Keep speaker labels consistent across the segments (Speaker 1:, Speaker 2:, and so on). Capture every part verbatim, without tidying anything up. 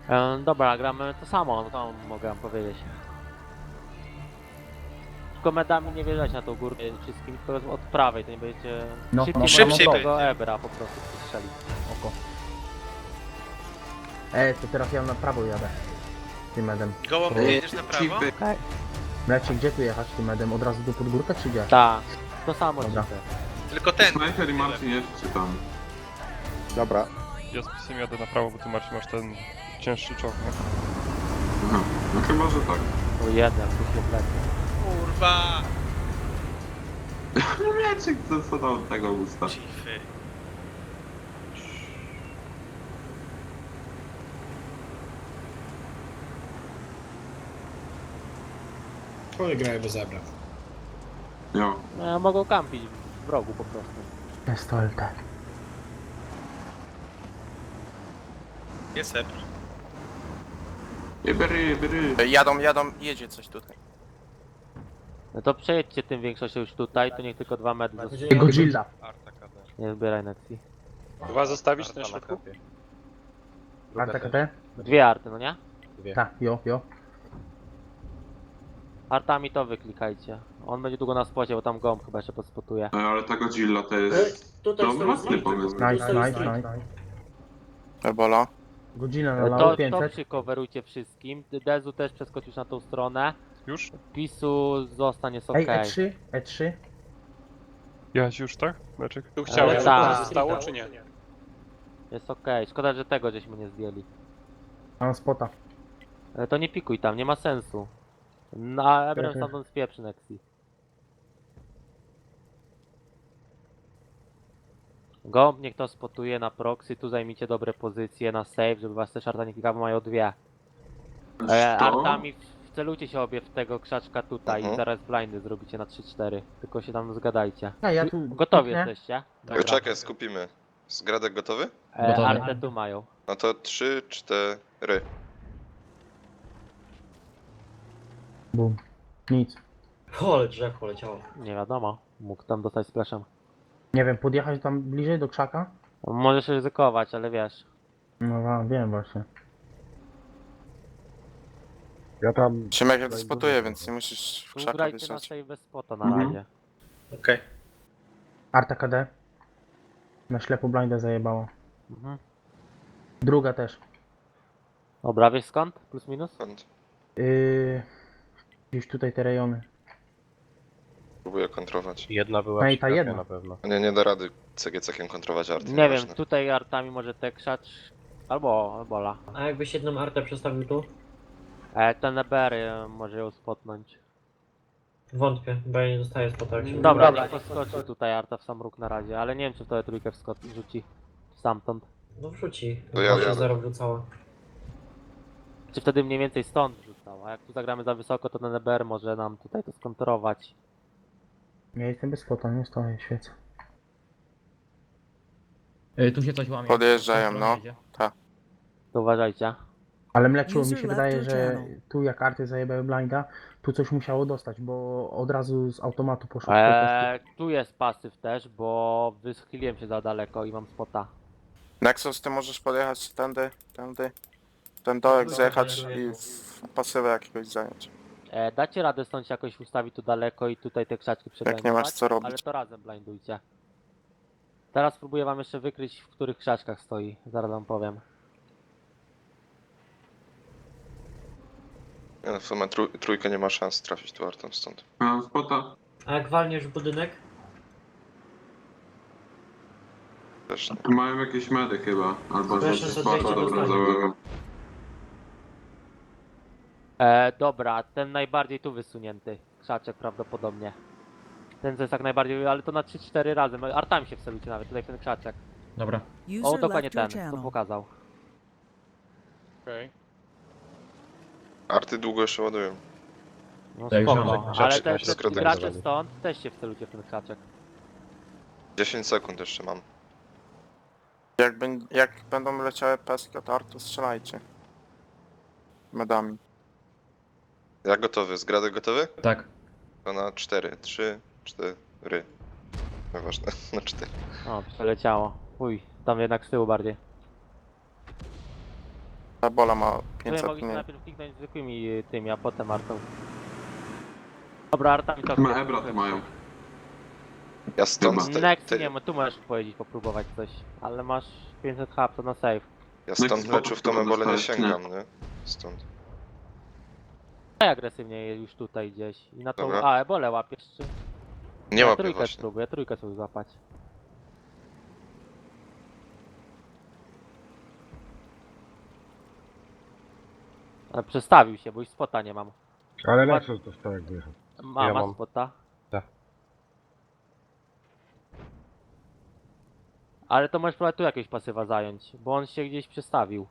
Speaker 1: E, dobra, gramy to samo, no to mogę wam powiedzieć. Tylko medami nie wjeżdżać na tą górkę wszystkim, tylko od prawej, to nie będziecie...
Speaker 2: No,
Speaker 1: szybciej
Speaker 2: no,
Speaker 1: szybciej
Speaker 2: no,
Speaker 1: tego
Speaker 3: będzie.
Speaker 1: Ebra po prostu strzelić.
Speaker 2: Oko. E, to teraz ja na prawo jadę. Tym medem.
Speaker 3: Gołąb,
Speaker 2: To-
Speaker 3: ty jedziesz na prawo?
Speaker 1: Okej.
Speaker 2: Mlecie, gdzie tu jechać tym medem? Od razu do podgórka czy gdzie?
Speaker 1: Tak, to samo
Speaker 2: Dobra.
Speaker 1: dzisiaj.
Speaker 3: Tylko ten.
Speaker 4: Snajper i Marcin jest czy tam?
Speaker 5: Dobra.
Speaker 6: Ja z pisem jadę na prawo, bo ty Marcin masz ten cięższy czołg, nie?
Speaker 4: Aha, no chyba, że tak.
Speaker 1: O jeden, tu się wlecie.
Speaker 3: Kurwa!
Speaker 4: Wiecie, co, co do tego usta.
Speaker 3: Cify.
Speaker 7: Oni grają bez zebra.
Speaker 4: Jo.
Speaker 1: E, mogą kampić w rogu po prostu.
Speaker 2: Jest to L T.
Speaker 3: Jest Ebr.
Speaker 4: Jebery, jebery.
Speaker 5: Jadą, jadą, jedzie coś tutaj.
Speaker 1: No to przejedźcie tym większością już tutaj, to niech tylko dwa medy zostaną.
Speaker 2: Godzilla.
Speaker 6: Arta K D.
Speaker 1: Nie zbieraj Nexi.
Speaker 8: Dwa zostawić na środku?
Speaker 2: Arta K T?
Speaker 1: Dwie arty, no nie?
Speaker 2: Tak, jo, jo.
Speaker 1: Artami to wyklikajcie. On będzie długo na spocie, bo tam gąb chyba jeszcze podspotuje.
Speaker 4: E, Ale ta Godzilla to jest...
Speaker 7: Tutaj
Speaker 4: To
Speaker 7: stoi
Speaker 4: mocny
Speaker 7: street.
Speaker 4: pomysł.
Speaker 2: Nice,
Speaker 7: stoi
Speaker 2: nice,
Speaker 7: street.
Speaker 2: nice.
Speaker 5: Ebola.
Speaker 2: Godzilla
Speaker 1: To,
Speaker 2: nalało
Speaker 1: to
Speaker 2: pięćset.
Speaker 1: przycoverujcie wszystkim. Dezu też przeskoczysz na tą stronę.
Speaker 6: Już?
Speaker 1: Pisu zostanie jest
Speaker 2: Ej,
Speaker 1: okej.
Speaker 2: E trzy, E trzy.
Speaker 6: Jechać już, tak? Meczek?
Speaker 8: Tu chciałem,
Speaker 1: Ale
Speaker 8: żeby
Speaker 1: tak.
Speaker 8: to zostało, czy nie?
Speaker 1: Jest okej. Szkoda, że tego żeśmy nie zdjęli.
Speaker 2: Mam spota.
Speaker 1: Ale to nie pikuj tam, nie ma sensu. Na Ebrem
Speaker 2: Okej.
Speaker 1: stamtąd spieprzy Nexi. Gąb niech to spotuje na proxy, tu zajmijcie dobre pozycje na save, żeby was też arta nie klikały, mają dwie. E,
Speaker 4: To?
Speaker 1: artami w- wcelujcie się obie w tego krzaczka tutaj
Speaker 5: Mhm.
Speaker 1: i zaraz blindy zrobicie na trzy cztery. Tylko się tam zgadajcie.
Speaker 2: Ja, ja tu
Speaker 1: Gotowi
Speaker 2: kliknę.
Speaker 1: jesteście?
Speaker 9: Dobra. Czekaj, skupimy. Zgradek gotowy?
Speaker 1: E,
Speaker 7: Gotowe.
Speaker 1: artę tu mają.
Speaker 9: No to trzy, cztery.
Speaker 2: Bum. Nic.
Speaker 7: Ole, drzew poleciało.
Speaker 1: Nie wiadomo, mógł tam dostać splashem.
Speaker 2: Nie wiem, podjechać tam bliżej do krzaka?
Speaker 1: Możesz ryzykować, ale wiesz.
Speaker 2: No wa- wiem właśnie.
Speaker 5: Ja tam... Szymek jak spotuje, więc nie musisz w
Speaker 1: Tu
Speaker 5: krzaka
Speaker 1: grajcie na
Speaker 5: wjeżdżać.
Speaker 1: save bez spota na
Speaker 4: Mhm.
Speaker 1: razie.
Speaker 3: Okej.
Speaker 2: Arta K D. Na ślepo blinda zajebała.
Speaker 1: Mhm.
Speaker 2: Druga też.
Speaker 1: Dobra, wiesz skąd? Plus minus?
Speaker 9: Skąd?
Speaker 2: Yy, gdzieś tutaj te rejony.
Speaker 9: Próbuję kontrować.
Speaker 8: Jedna była
Speaker 2: No i ta
Speaker 8: przytrafiona
Speaker 2: jedna.
Speaker 8: na pewno.
Speaker 9: Nie, nie da rady C G C-kiem kontrować arty.
Speaker 1: Nie wiem,
Speaker 9: nieważne.
Speaker 1: tutaj artami może te krzacz... Albo, albo la.
Speaker 7: A jakbyś jedną artę przestawił tu?
Speaker 1: E, ten Ebery może ją spotnąć.
Speaker 7: Wątpię, bo ja nie dostaję spota jak się
Speaker 1: Dobra,
Speaker 7: Dobra.
Speaker 1: niech podskoczy tutaj arta w sam róg na razie, ale nie wiem czy w to trójkę wskot- rzuci stamtąd.
Speaker 7: No wrzuci.
Speaker 9: To ja
Speaker 7: Bo się
Speaker 9: jadę.
Speaker 7: zero wrzucała.
Speaker 1: Czy wtedy mniej więcej stąd rzucał, a jak tu zagramy za wysoko, to ten E B R może nam tutaj to skontrować.
Speaker 2: Ja jestem bez spota, nie stoję, świecę.
Speaker 10: Tu się coś łamie.
Speaker 5: Podjeżdżają, no.
Speaker 1: To uważajcie.
Speaker 2: Ale mleczu mi
Speaker 11: User
Speaker 2: się
Speaker 11: left
Speaker 2: wydaje,
Speaker 11: your
Speaker 2: że
Speaker 11: channel.
Speaker 2: tu jak arty zajebały blinda, tu coś musiało dostać, bo od razu z automatu poszło.
Speaker 1: Eee, tu jest pasyw też, bo wyschyliłem się za daleko i mam spota.
Speaker 5: Nexus, ty możesz podjechać tędy, tędy. Ten dołek zjechać i w pasywę jakiegoś zająć.
Speaker 1: E, dacie radę stąd się jakoś ustawić tu daleko i tutaj te krzaczki przeblindować?
Speaker 5: nie masz co robić.
Speaker 1: Ale to razem blindujcie. Teraz spróbuję wam jeszcze wykryć, w których krzaczkach stoi. Zaraz wam powiem.
Speaker 9: Nie, no, w sumie trój, trójkę nie ma szans trafić tu artą stąd.
Speaker 4: Mam spota.
Speaker 7: A jak walniesz w budynek?
Speaker 9: Też nie.
Speaker 4: Mają jakieś medy chyba. Albo że
Speaker 7: Proszę, za
Speaker 4: spota
Speaker 7: dwieście
Speaker 4: dobra
Speaker 7: dostanie.
Speaker 4: załego.
Speaker 1: E, dobra, ten najbardziej tu wysunięty krzaczek prawdopodobnie. Ten co jest tak najbardziej, ale to na trzy cztery razy. Artami się wcelujcie nawet, tutaj w ten krzaczek.
Speaker 10: Dobra.
Speaker 1: O,
Speaker 11: User
Speaker 1: dokładnie
Speaker 11: left your
Speaker 1: ten, co
Speaker 11: channel.
Speaker 1: pokazał.
Speaker 6: Okej.
Speaker 9: Arty długo jeszcze ładują.
Speaker 1: No
Speaker 10: Tak,
Speaker 1: spoko,
Speaker 10: żadnych
Speaker 1: ale
Speaker 9: rzeczy
Speaker 1: te,
Speaker 9: na się
Speaker 1: te
Speaker 9: skradać
Speaker 1: gracze
Speaker 9: zawali.
Speaker 1: stąd też się wcelujcie w ten krzaczek.
Speaker 9: dziesięć sekund jeszcze mam.
Speaker 5: Jak, ben, jak będą leciały peski od artu, strzelajcie. Medami.
Speaker 9: Ja gotowy. Zgradek gotowy?
Speaker 10: Tak.
Speaker 9: To na cztery. trzy, cztery. Nieważne, na cztery.
Speaker 1: O, przeleciało. Uj, tam jednak z tyłu bardziej.
Speaker 5: Ebola ma
Speaker 1: To ja
Speaker 5: pięćset
Speaker 1: mogliśmy
Speaker 5: mniej.
Speaker 1: najpierw kliknąć zwykłymi y, tymi, a potem Artą. Dobra, Arta mi to...
Speaker 4: Chyba Ebra to mają.
Speaker 9: Ja stąd...
Speaker 4: Chyba.
Speaker 9: Te,
Speaker 1: Next,
Speaker 9: te,
Speaker 1: nie, tu możesz pojeździć, popróbować coś. Ale masz pięćset hub, to na save.
Speaker 9: ja stąd
Speaker 4: Next
Speaker 9: meczów tą
Speaker 4: spoko,
Speaker 9: ebolę nie
Speaker 4: dostałeś,
Speaker 9: sięgam, nie? Stąd.
Speaker 1: Daj agresywnie już tutaj gdzieś. I na tą...
Speaker 9: Dobra.
Speaker 1: A, ebolę łapiesz czy...
Speaker 9: Nie
Speaker 1: ja
Speaker 9: łapię
Speaker 1: trójkę
Speaker 9: właśnie.
Speaker 1: spróbuję, trójkę sobie złapać. Ale przestawił się, bo już spota nie mam.
Speaker 10: Ale
Speaker 1: Ład-
Speaker 10: Lexus dostał jak wyjechał.
Speaker 1: Ma,
Speaker 6: Ja
Speaker 1: masz
Speaker 6: mam.
Speaker 1: spota?
Speaker 6: Tak.
Speaker 1: Ale to możesz próbować tu jakieś pasywa zająć, bo on się gdzieś przestawił.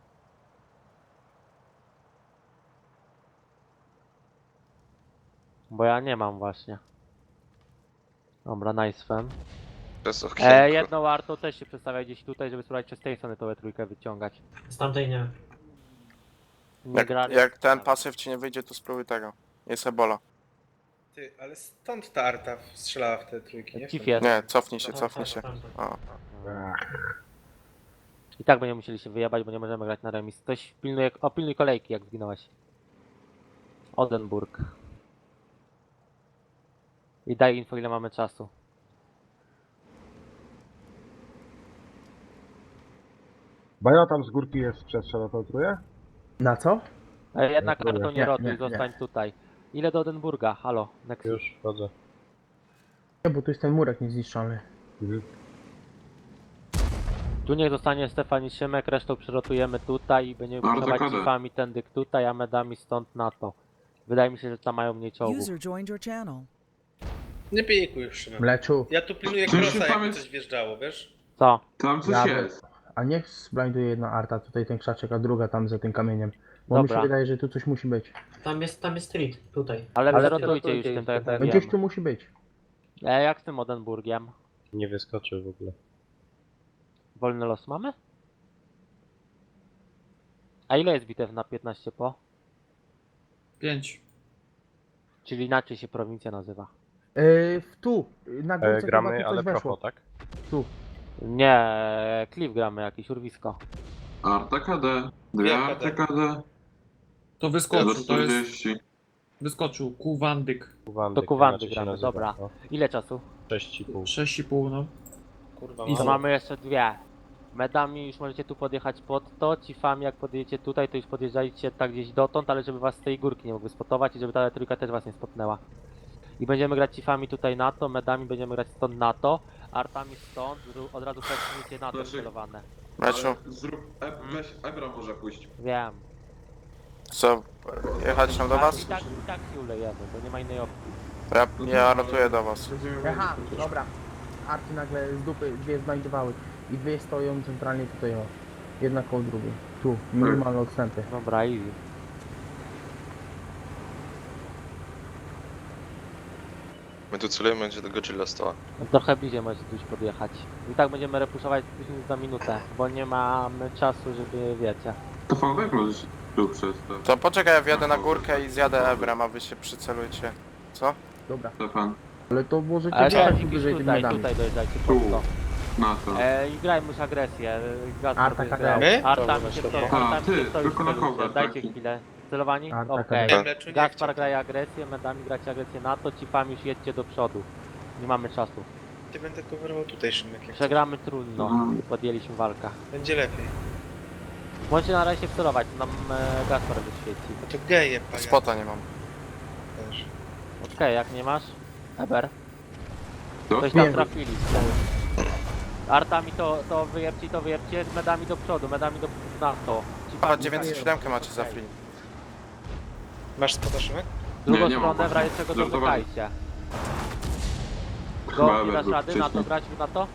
Speaker 1: Bo ja nie mam właśnie. Dobra, nice fem.
Speaker 9: Przez okienko.
Speaker 1: E, jedną warto też się przestawia gdzieś tutaj, żeby spróbować przez tej strony tą E trójkę wyciągać.
Speaker 7: Z tamtej nie.
Speaker 1: Nie
Speaker 5: Jak,
Speaker 1: grali.
Speaker 5: jak ten pasyw ci nie wyjdzie, to spróbuj tego. Jest Ebola.
Speaker 3: Ty, ale stąd ta Arta strzelała w te trójki, nie?
Speaker 1: Cif jest.
Speaker 5: Nie, cofnij się, cofnij się.
Speaker 7: Tamte.
Speaker 5: O.
Speaker 1: I tak będziemy musieli się wyjebać, bo nie możemy grać na remis. Ktoś pilnuje, o pilnuj kolejki jak zginąłeś. Odenburg. I daj info ile mamy czasu.
Speaker 10: Bajo tam z górki jest przestrzał na tą trójkę?
Speaker 2: Na co?
Speaker 1: E, jednak
Speaker 10: próbuję.
Speaker 1: kartą nie
Speaker 2: Nie,
Speaker 1: rotuj,
Speaker 2: nie, nie.
Speaker 1: zostań tutaj. Ile do Odenburga? Halo, next.
Speaker 6: Już wchodzę.
Speaker 2: Nie, bo tu jest ten murek niezniszczony.
Speaker 10: Mhm.
Speaker 1: Tu niech zostanie Stefan i Szymek, resztą przerotujemy tutaj i będziemy
Speaker 4: Bardzo
Speaker 1: puszować
Speaker 4: kadę.
Speaker 1: cifami tędy tutaj, a medami stąd na to. Wydaje mi się, że tam mają mniej czołgów.
Speaker 11: User joined your channel.
Speaker 3: Nie pijekuj już, Szymon.
Speaker 2: Mleczu,
Speaker 3: Ja tu pilnuję
Speaker 4: Czy się
Speaker 3: krosa, jakby
Speaker 4: pamięć-
Speaker 3: coś wjeżdżało, wiesz?
Speaker 1: Co?
Speaker 4: Tam coś
Speaker 2: Ja-
Speaker 4: jest.
Speaker 2: a niech zblinduje jedna arta, tutaj ten krzaczek, a druga tam za tym kamieniem. Bo mi
Speaker 1: Dobra.
Speaker 2: się wydaje, że tu coś musi być.
Speaker 7: Tam jest, tam jest street, tutaj.
Speaker 1: Ale
Speaker 2: Ale
Speaker 1: przerotujcie już tym, tak jak
Speaker 2: No
Speaker 1: mówiłem.
Speaker 2: gdzieś tu musi być.
Speaker 1: E, jak z tym Odenburgiem?
Speaker 6: Nie wyskoczył w ogóle.
Speaker 1: Wolny los mamy? A ile jest bitew na piętnaście po?
Speaker 8: Pięć.
Speaker 1: Czyli inaczej się prowincja nazywa.
Speaker 2: Yy, tu, na górce
Speaker 6: E,
Speaker 2: chyba
Speaker 6: gramy,
Speaker 2: tu coś
Speaker 6: ale
Speaker 2: weszło.
Speaker 6: procho, tak?
Speaker 2: Tu.
Speaker 1: Nie, Cliff gramy, jakieś urwisko.
Speaker 4: Arta K D. Dwie
Speaker 3: Dwie
Speaker 4: Arty
Speaker 3: K D.
Speaker 4: K D.
Speaker 8: To
Speaker 4: Do
Speaker 8: wyskoczył, to jest...
Speaker 4: czterdzieści.
Speaker 8: Wyskoczył, Kuwandyk.
Speaker 6: Kuwandy,
Speaker 1: To Kuwandy
Speaker 6: inaczej się
Speaker 1: gramy,
Speaker 6: nazywa,
Speaker 1: dobra.
Speaker 6: no.
Speaker 1: Ile czasu?
Speaker 6: sześć i pół.
Speaker 8: sześć i pół, no.
Speaker 3: Kurwa,
Speaker 8: I
Speaker 1: To
Speaker 8: co?
Speaker 1: mamy jeszcze dwie. Medami już możecie tu podjechać pod to, cifami jak podjedziecie tutaj, to już podjeżdżajcie tak gdzieś dotąd, ale żeby was z tej górki nie mogły spotować i żeby ta trójka też was nie spotnęła. I będziemy grać cifami tutaj na to, medami będziemy grać stąd na to, artami stąd, zru- od razu przesunięcie na to
Speaker 4: Znaczy-
Speaker 1: celowane.
Speaker 5: Meczu,
Speaker 4: Ale Zrób... E, weź Ebra może pójść.
Speaker 1: Wiem.
Speaker 5: co? Jechać tam do
Speaker 1: I
Speaker 5: was?
Speaker 1: tak, i tak się ulejemy, bo nie ma innej opcji.
Speaker 5: Ja, ja rotuję do was.
Speaker 2: Aha, dobra. Arty nagle z dupy dwie znajdowały. I dwie stoją centralnie tutaj, o. Jedna koło drugiej. Tu, minimalne odstępy.
Speaker 1: Dobra, easy.
Speaker 9: My tu celujemy, będzie do Godzilla stała.
Speaker 1: No trochę bliżej możecie tu już podjechać. I tak będziemy repuszować później za minutę, bo nie mamy czasu, żeby wiecie.
Speaker 4: To fałdek możesz tu przez to.
Speaker 5: To poczekaj, ja wjadę na górkę i zjadę Ebrem, a wy się przycelujcie. Co?
Speaker 2: Dobra.
Speaker 4: Stefan.
Speaker 2: Ale to możecie
Speaker 1: Ale
Speaker 2: wjechać
Speaker 1: tak,
Speaker 2: tu wyżej tymi
Speaker 1: tutaj,
Speaker 2: medami.
Speaker 1: tutaj dojeżdżajcie
Speaker 4: Tu.
Speaker 1: pod to.
Speaker 4: Na to.
Speaker 1: E, I grajmy już agresję. Gaspar
Speaker 2: Arta
Speaker 1: będzie
Speaker 2: K D.
Speaker 1: grał.
Speaker 3: My?
Speaker 1: Artami
Speaker 8: Dobra,
Speaker 1: się
Speaker 8: dobra.
Speaker 1: stoi,
Speaker 4: A,
Speaker 1: artami
Speaker 4: ty,
Speaker 1: się stoi,
Speaker 4: tylko na
Speaker 1: celujcie.
Speaker 4: cover
Speaker 1: Dajcie
Speaker 4: taki.
Speaker 1: chwilę. Celowani?
Speaker 2: Arta K D.
Speaker 1: Okej.
Speaker 3: Nie, Mleczu, nie
Speaker 1: Gaspar
Speaker 3: chciał.
Speaker 1: graje agresję, medami gracie agresję na to, cifami już jedźcie do przodu. Nie mamy czasu.
Speaker 3: Ty będę coverował tutaj, Szymek, jak
Speaker 1: Przegramy trudno.
Speaker 4: Mhm.
Speaker 1: Podjęliśmy walkę.
Speaker 3: będzie lepiej.
Speaker 1: Możecie na razie wcelować, to nam e, Gaspar wyświeci.
Speaker 3: No to geje, panie.
Speaker 5: Spota nie mam.
Speaker 3: Też.
Speaker 1: Okej, jak nie masz? Eber.
Speaker 4: To?
Speaker 1: Coś tam
Speaker 2: Nie.
Speaker 1: trafili. Artami to, to wyjebcie, to wyjebcie, medami do przodu, medami do na to.
Speaker 5: A, dziewięćset siedem macie za free.
Speaker 3: Masz spota, Szymek?
Speaker 1: Drugą
Speaker 4: Nie, nie mam
Speaker 1: stronę w razie czego
Speaker 4: Żartowałem.
Speaker 1: domykajcie.
Speaker 4: Chyba
Speaker 1: Go, nie
Speaker 4: Eber
Speaker 1: dasz
Speaker 4: był
Speaker 1: rady na to
Speaker 4: wcześniej.
Speaker 1: grać na to?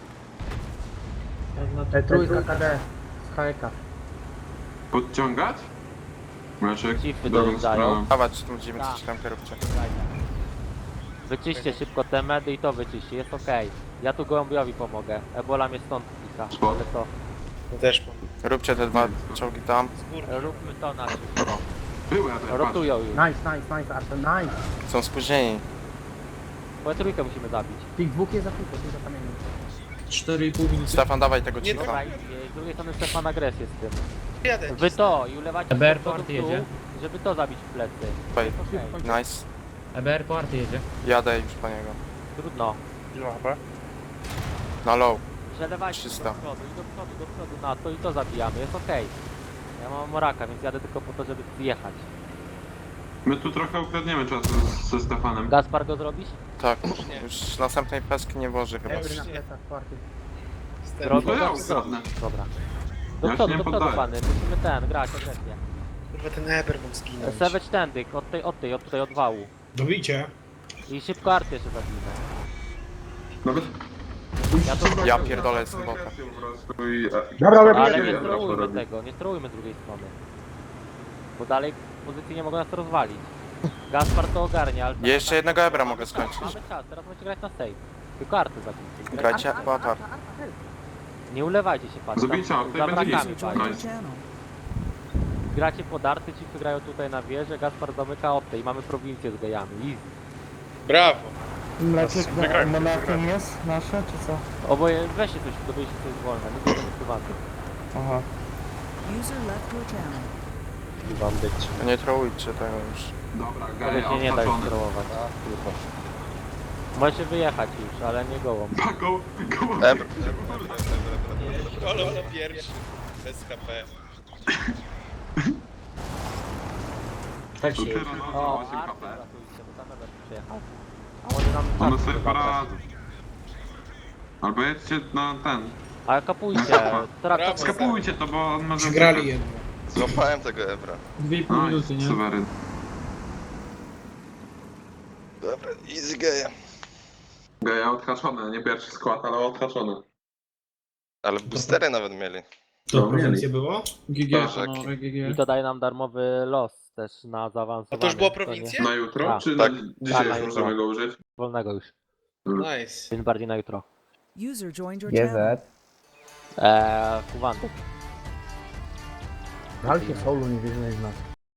Speaker 2: E, trójka K D z H E K.
Speaker 4: Podciągać? Mleczek,
Speaker 1: Cify
Speaker 4: drugą
Speaker 1: dojeżdżają.
Speaker 4: stroną.
Speaker 5: Dawać tą dziewięćset siedem róbcie.
Speaker 1: Wyczyście szybko te medy i to wyczyście, jest okej. Ja tu gołębiowi pomogę. Ebola mnie stąd pika,
Speaker 4: Spoko.
Speaker 1: ale to
Speaker 3: No też mam.
Speaker 5: Róbcie te dwa czołgi tam.
Speaker 3: Z górki.
Speaker 1: róbmy to na szybko.
Speaker 4: Były Ebra, patrz.
Speaker 1: Rotują już.
Speaker 2: Nice, nice, nice, Arta, nice.
Speaker 5: Są spóźnieni.
Speaker 1: Bo trójkę musimy zabić.
Speaker 2: Tych dwóch jest za krótko, tu za kamieniem.
Speaker 8: cztery i pół minuty.
Speaker 5: Stefan, dawaj tego
Speaker 3: Nie,
Speaker 5: cicha.
Speaker 1: Dobra, i z drugiej strony Stefan agresję z tym.
Speaker 3: Jadę.
Speaker 1: Wy to i ulewacie
Speaker 7: E B R
Speaker 1: do przodu
Speaker 7: party
Speaker 1: w dół,
Speaker 7: jedzie.
Speaker 1: żeby to zabić w plecy.
Speaker 5: Okej,
Speaker 1: Okej,
Speaker 5: nice.
Speaker 7: E B R po arty jedzie.
Speaker 5: Jadę już po niego.
Speaker 1: trudno.
Speaker 6: Ile ma H P?
Speaker 5: Na low.
Speaker 1: Przelewajcie do
Speaker 5: trzysta.
Speaker 1: przodu i do przodu, do przodu na to i to zabijamy, jest okej. Ja mam moraka, więc jadę tylko po to, żeby zjechać.
Speaker 4: My tu trochę ukradniemy czasu z- ze Stefanem.
Speaker 1: Gaspar go zrobisz?
Speaker 5: Tak, już następnej peski nie włoży chyba.
Speaker 2: Ebry na plecach, party.
Speaker 1: Zrobię
Speaker 4: to ja
Speaker 1: to,
Speaker 4: ukradnę.
Speaker 1: Dobra. Do
Speaker 4: Ja się
Speaker 1: przodu,
Speaker 4: nie
Speaker 1: do przodu
Speaker 4: poddaję.
Speaker 1: pany, musimy ten, grać agresję.
Speaker 3: Kurwa, ten Eber mógł zginąć.
Speaker 1: Savage tendyk, od tej, od tej, od tutaj, od wału.
Speaker 3: Dobicie.
Speaker 1: I szybko arty jeszcze zabijmy.
Speaker 4: Nawet...
Speaker 1: Ja to-
Speaker 5: Ja pierdolę, jestem bota.
Speaker 4: Po prostu i...
Speaker 10: Dobra,
Speaker 1: Ale
Speaker 10: robimy.
Speaker 1: nie
Speaker 4: Dobra,
Speaker 1: strołujmy
Speaker 4: robi.
Speaker 1: tego, nie strołujmy z drugiej strony. Bo dalej pozycje nie mogą nas rozwalić. Gaspar to ogarnia, ale...
Speaker 5: Jeszcze jednego Ebra mogę skończyć.
Speaker 1: Mamy czas, teraz możecie grać na save. Tylko arty zabijcie.
Speaker 5: Grajcie po atar.
Speaker 1: Nie ulewajcie się pan.
Speaker 4: Zabijcie, a tutaj
Speaker 1: za
Speaker 4: będzie
Speaker 1: brakami
Speaker 4: nic.
Speaker 1: walcie.
Speaker 4: Nice.
Speaker 1: Gracie pod arty, ci wygrają tutaj na wieżę, Gaspar zamyka optę i mamy prowincję z gejami. Easy.
Speaker 3: Brawo.
Speaker 6: Mleczek Monachium
Speaker 2: jest nasze, czy co?
Speaker 1: Oboje, weźcie coś, dobyjcie coś wolne, nie będę ukrywany.
Speaker 2: Aha.
Speaker 5: Nie trołujcie tego już.
Speaker 4: Dobra,
Speaker 1: Ale
Speaker 4: geja
Speaker 1: się nie da już
Speaker 4: odhaczony.
Speaker 1: sterować. Możecie wyjechać już, ale nie gołą.
Speaker 4: Pa, go, go.
Speaker 9: Ebr.
Speaker 3: Kolo na pierwszy. Bez K P.
Speaker 7: Tak
Speaker 4: To
Speaker 7: się
Speaker 4: ty
Speaker 7: jedzie.
Speaker 4: Ronaldo
Speaker 1: O,
Speaker 4: osiem
Speaker 1: arty
Speaker 4: K P.
Speaker 1: ratujcie, bo tam nawet przyjechał. A oni nam
Speaker 4: One
Speaker 1: arty
Speaker 4: sobie
Speaker 1: zabrać.
Speaker 4: poradzą. Albo jedźcie na ten.
Speaker 1: Ale kapujcie,
Speaker 3: Brawo.
Speaker 1: traktor...
Speaker 4: Skapujcie to, bo on może...
Speaker 3: Przegrali jedno.
Speaker 9: Złapałem tego Ebra.
Speaker 8: Dwie i pół minuty,
Speaker 4: Nice,
Speaker 8: nie?
Speaker 4: suweryn.
Speaker 9: Dobra, easy geja.
Speaker 4: Geja odhaczone, nie pierwszy skład, ale odhaczone.
Speaker 9: Ale boostery nawet mieli.
Speaker 3: To
Speaker 4: No,
Speaker 3: prowincje było?
Speaker 8: G G,
Speaker 9: Tak.
Speaker 8: panowie, G
Speaker 1: I
Speaker 8: G.
Speaker 1: to daje nam darmowy los też na zaawansowanie.
Speaker 3: A to już było
Speaker 1: nie?
Speaker 3: prowincje?
Speaker 4: Na jutro?
Speaker 1: Tak.
Speaker 4: Czy
Speaker 9: Tak.
Speaker 4: na dzisiaj
Speaker 1: Tak, na
Speaker 4: już
Speaker 1: jutro.
Speaker 4: możemy go użyć?
Speaker 1: Wolnego już,
Speaker 3: Nice.
Speaker 1: więc bardziej na jutro.
Speaker 2: G Z.
Speaker 1: Eee, Kuwantyk.
Speaker 2: Walcie solu, nie wierzymy w nas.